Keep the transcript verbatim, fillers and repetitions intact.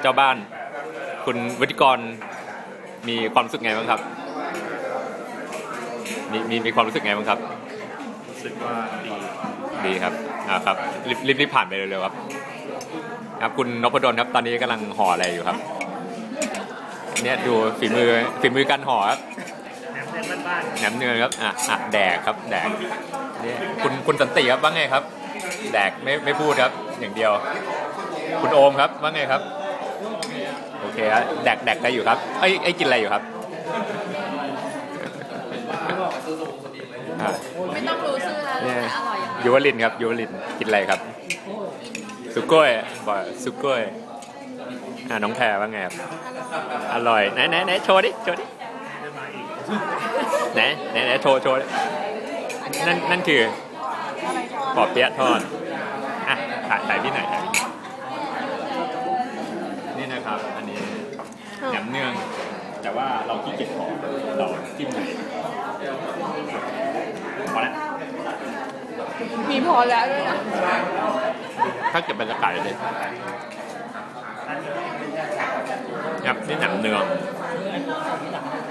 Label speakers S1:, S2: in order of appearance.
S1: เจ้าบ้านคุณวุฒิกรมีความรู้สึกไงบ้างครับมีมีมีความรู้สึกไงบ้างครับ
S2: รู้สึกว่าดี
S1: ดีครับอ่าครับรีบรีบรีบผ่านไปเร็วๆครับครับคุณนพดลครับตอนนี้กำลังห่ออะไรอยู่ครับเนี่ยดูฝีมือฝีมือการห่อครับแหนมเนืองครับอ่ะอ่ะแดกครับแดกนี่คุณคุณสันติครับว่าไงครับแดกไม่ไม่พูดครับอย่างเดียวคุณโอมครับว่าไงครับโอเคครับแดกแดกอะไรอยู่ครับไอ้ไอ้กินอะไรอยู่ครับ
S3: ไม่ต้องรู้ชื่อแล้วแต่อร่อยอย่าง
S1: ยูวลินครับยูวลินกินอะไรครับสุโก้ยบ่อยสุโก้ยอ่าน้องแพรว่าไงครับอร่อยไหนไหนไหนโชว์ดิโชว์ดิไหนไหนไหนโชว์โชว์นั่นนั่นคือปอเปี๊ยะทอดอ่ะถ่ายถ่ายพี่หน่อยถ่ายนี่นะครับอันนี้แหนมเนืองแต่ว่าเราขี้เกียจขอเราจิ้มไหนพอแล้ว
S3: มีพอแล้วด้วยนะ
S1: ถ้าเกิดเป็นไก่เลยครับนี่แหนมเนือง